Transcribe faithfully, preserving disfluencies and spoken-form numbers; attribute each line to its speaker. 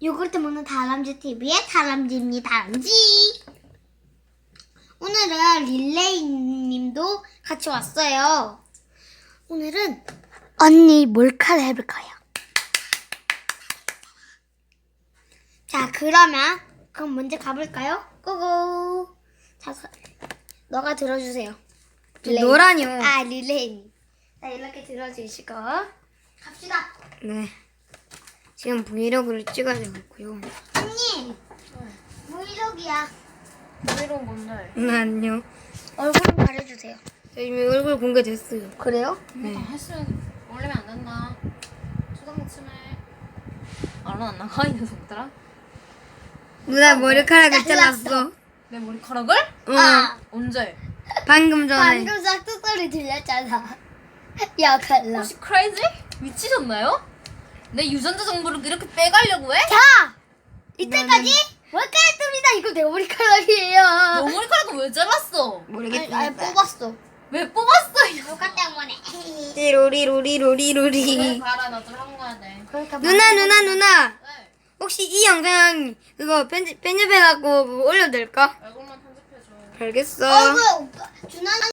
Speaker 1: 요구르트 먹는 다람쥐 티비의 다람쥐입니다. 다람쥐. 오늘은 릴레이님도 같이 왔어요. 오늘은 언니 몰카를 해볼 거예요. 자, 그러면 그럼 먼저 가볼까요? 고고. 자, 서- 너가 들어주세요. 릴레이.
Speaker 2: 노란이요.
Speaker 1: 아, 릴레이님. 자, 이렇게 들어주시고 갑시다.
Speaker 2: 네. 지금 브이로그를 찍어야 되겠고요.
Speaker 1: 언니, 브이로그야.
Speaker 3: 브이로그 뭔데?
Speaker 2: 응, 안녕.
Speaker 1: 얼굴 좀 가려주세요.
Speaker 2: 저 이미 얼굴 공개됐어요.
Speaker 1: 그래요?
Speaker 2: 네.
Speaker 3: 아, 했으면 올리면 안 된다. 초등부 침해. 얼른 안 나가 이 녀석들아.
Speaker 2: 누나 머리카락을
Speaker 1: 잘랐어.
Speaker 2: 잘랐어.
Speaker 3: 내 머리카락을?
Speaker 2: 응.
Speaker 1: 아,
Speaker 3: 언제?
Speaker 2: 방금 전에.
Speaker 1: 방금 싹둑 소리 들렸잖아. 야, 갈라.
Speaker 3: 혹시 크레이지? 미치셨나요? 내 유전자 정보를 이렇게 빼가려고 해?
Speaker 1: 자, 이때까지 머리카락입니다. 이거 내 머리카락이에요.
Speaker 3: 너 머리카락을 왜 잘랐어?
Speaker 2: 모르겠습니다.
Speaker 1: 아니, 뽑았어.
Speaker 3: 왜 뽑았어? 이 녀석?
Speaker 1: 누가 때문에?
Speaker 2: 띠로리로리로리로리.
Speaker 3: 봐라 나 좀 하고 가야 돼.
Speaker 1: 그러니까
Speaker 2: 누나 누나 누나.
Speaker 3: 왜?
Speaker 2: 혹시 이 영상 그거 편집 편집해갖고 그거 올려도 될까?
Speaker 3: 얼굴만 편집해줘.
Speaker 2: 알겠어.
Speaker 1: 어, 그 오빠, 준하